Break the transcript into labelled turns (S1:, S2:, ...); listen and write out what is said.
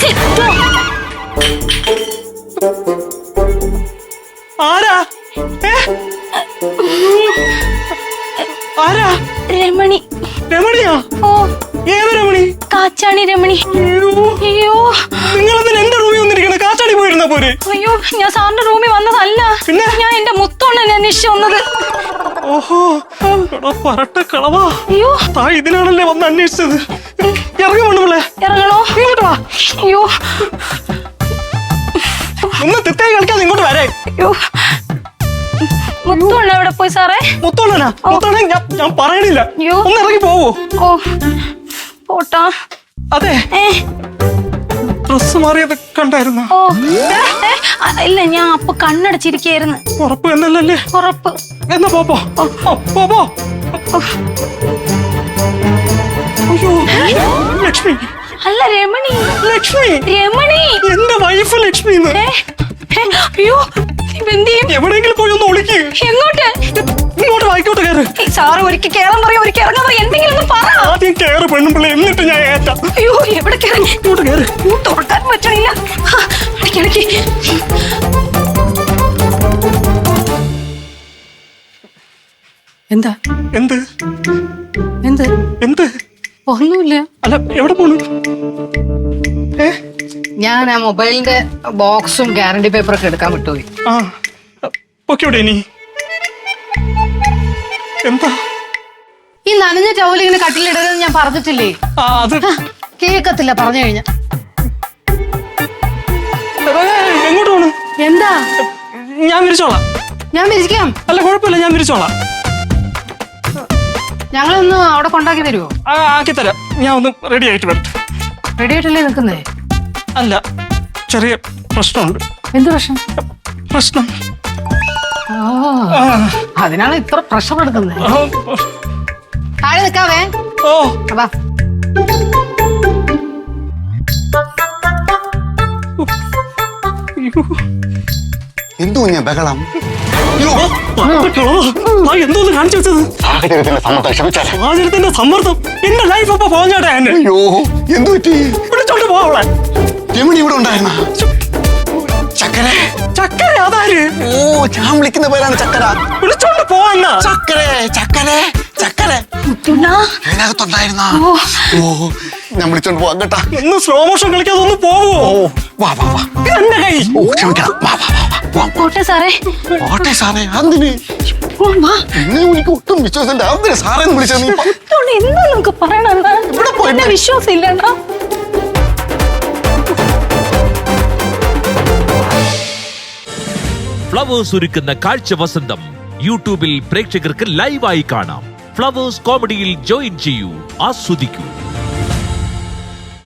S1: ആരാ ആരാ?
S2: രമണി.
S1: രമണിയാ?
S2: ഓ,
S1: ഏത് രമണി?
S2: കാച്ചാണി രമണി. അയ്യോ,
S1: നിങ്ങളെന്തിനാ എന്റെ റൂമിൽ വന്നിരിക്കണ? കാച്ചാണി പോയിരുന്ന പോരെ?
S2: അയ്യോ, ഞാൻ സാറിന്റെ റൂമിൽ വന്നതല്ല.
S1: പിന്നെ
S2: ഞാൻ എന്റെ മുത്തോണ്ണനെ അന്വേഷിച്ചു വന്നത്.
S1: ഓഹോ, പറട്ട കളവാ.
S2: അയ്യോ,
S1: താ ഇതിനാണല്ലേ വന്ന് അന്വേഷിച്ചത്. ഇറങ്ങി വേണമല്ലേ?
S2: ഇറങ്ങണോ?
S1: ഇങ്ങോട്ട് വാ.
S2: അയ്യോ,
S1: ഒന്ന് തെറ്റായി കളിക്കാതെ ഇങ്ങോട്ട് വരേ.
S2: അയ്യോ, മുത്തോണ്ണ എവിടെ പോയി സാറേ?
S1: മുത്തോണ്ണനാ? മുത്തോണ്ണ ഞാൻ പറയണില്ല.
S2: അയ്യോ,
S1: ഒന്ന് ഇറങ്ങി പോവോ?
S2: ഓ, പോട്ടാ.
S1: അതെ, ഡ്രസ് മാറിയത് കണ്ടായിരുന്ന?
S2: ഓ, ഇല്ല, ഞാൻ അപ്പൊ കണ്ണടച്ചിരിക്കായിരുന്നു.
S1: ഉറപ്പ് എന്നല്ലേ?
S2: ഉറപ്പ്.
S1: എന്നാ പോ. അയ്യോ, ലക്ഷ്മി.
S2: അല്ല, രമണി.
S1: ലക്ഷ്മി,
S2: രമണി,
S1: എന്റെ വൈഫ് ലക്ഷ്മി.
S2: അയ്യോ,
S1: എവിടെയെങ്കിലും പോയി ഒന്ന് ഒളിക്ക്.
S2: എങ്ങോട്ട്?
S1: ഇങ്ങോട്ട് വായിക്കോട്ട് കയറ്.
S2: സാറ് ഒരിക്കൽ കേറാൻ പറയാ, ഒരിക്കൽ ഇറങ്ങാൻ പറയാ, എന്തെങ്കിലും ഒന്ന് പറ.
S1: ആദ്യം കയറ് പെണ്ണുമ്പിള്ള, എന്നിട്ട് ഞാൻ ഏറ്റാ.
S2: അയ്യോ, എവിടെ കയറി?
S1: ഇങ്ങോട്ട് കയറ്.
S2: തുറക്കാൻ പറ്റണില്ല. ഇടയ്ക്കിടയ്ക്ക്
S3: എന്താ?
S1: എന്ത്
S3: എന്ത്?
S1: എന്ത്?
S3: ഒന്നുമില്ല.
S1: അല്ല, എവിടെ പോണു?
S3: ഞാൻ ആ മൊബൈലിന്റെ ബോക്സും ഗ്യാരണ്ടി പേപ്പറൊക്കെ എടുക്കാൻ വിട്ടുപോയി.
S1: ആ, പൊക്കോടെ ഇനി. എന്താ
S3: ഈ നനഞ്ഞ ടവൽ ഇങ്ങനെ കട്ടിലിടരുതെന്ന് ഞാൻ പറഞ്ഞിട്ടില്ലേ?
S1: അത്
S3: കേക്കത്തില്ല പറഞ്ഞു കഴിഞ്ഞ.
S1: എങ്ങോട്ട് പോണു?
S3: എന്താ?
S1: ഞാൻ വിരിച്ചോളാം.
S3: ഞാൻ വിരിക്കാം.
S1: അല്ല, കുഴപ്പമില്ല, ഞാൻ വിരിച്ചോളാം.
S3: ഞങ്ങളൊന്ന് അവിടെ കൊണ്ടാക്കി തരുമോ?
S1: ആക്കി തരാം. ഞാൻ ഒന്ന് റെഡി ആയിട്ട് വരട്ടെ.
S3: റെഡി ആയിട്ടല്ലേ നിൽക്കുന്നേ?
S1: അല്ല, ചെറിയ പ്രശ്നമുണ്ട്.
S3: എന്ത് പ്രശ്നം?
S1: പ്രശ്നം
S3: അതിനാണ് ഇത്ര പ്രഷർ എടുക്കുന്നത്. താഴെ നിൽക്കാവേ.
S1: ഓ,
S3: അതാ
S4: എന്തോ ഞാൻ ബഹളം.
S1: എന്തോന്ന് കാണിച്ചു വെച്ചത്? സാഹചര്യത്തിന്റെ സമ്മർദ്ദം. എന്റെ ലൈഫ് അപ്പൊ പോഞ്ഞാട്ടെ.
S4: അയ്യോ, എന്തു പറ്റി?
S1: വിളിച്ചോണ്ട് പോവളെ.
S4: രമണി ഇവിടെ ഉണ്ടായിരുന്ന? ചക്കര?
S1: ചക്കര അതാര്?
S4: ഓ, ഞാൻ വിളിക്കുന്ന പേരാണ് ചക്കര.
S1: വിളിച്ചോണ്ട് പോവാന്ന.
S4: ചക്കര ഇതിനകത്തുണ്ടായിരുന്ന? ഓ, ഞാൻ വിളിച്ചോണ്ട് പോവാം കേട്ടാ.
S1: ഒന്ന് സ്ലോ മോഷൻ കളിക്കാതെ ഒന്ന് പോവോ?
S4: വാ.
S1: എന്റെ കൈ.
S4: ഓ, ക്ഷമിക്കണം. വാ.
S2: പോട്ടെ സാറേ.
S4: ഓട്ടെ സാറേ. എന്തിന്? എന്നെ എനിക്ക് ഒട്ടും വിശ്വാസമില്ല. എന്തിനാ സാറേ വിളിച്ചത്? നീ
S2: എന്താ നമുക്ക് പറയണ?
S4: ഇവിടെ പോയി
S2: വിശ്വാസം ഇല്ലണ്ട.
S5: ഫ്ലവേഴ്സ് ഒരുക്കുന്ന കാഴ്ച വസന്തം യൂട്യൂബിൽ പ്രേക്ഷകർക്ക് ലൈവായി കാണാം. ഫ്ലവേഴ്സ് കോമഡിയിൽ ജോയിൻ ചെയ്യൂ, ആസ്വദിക്കൂ.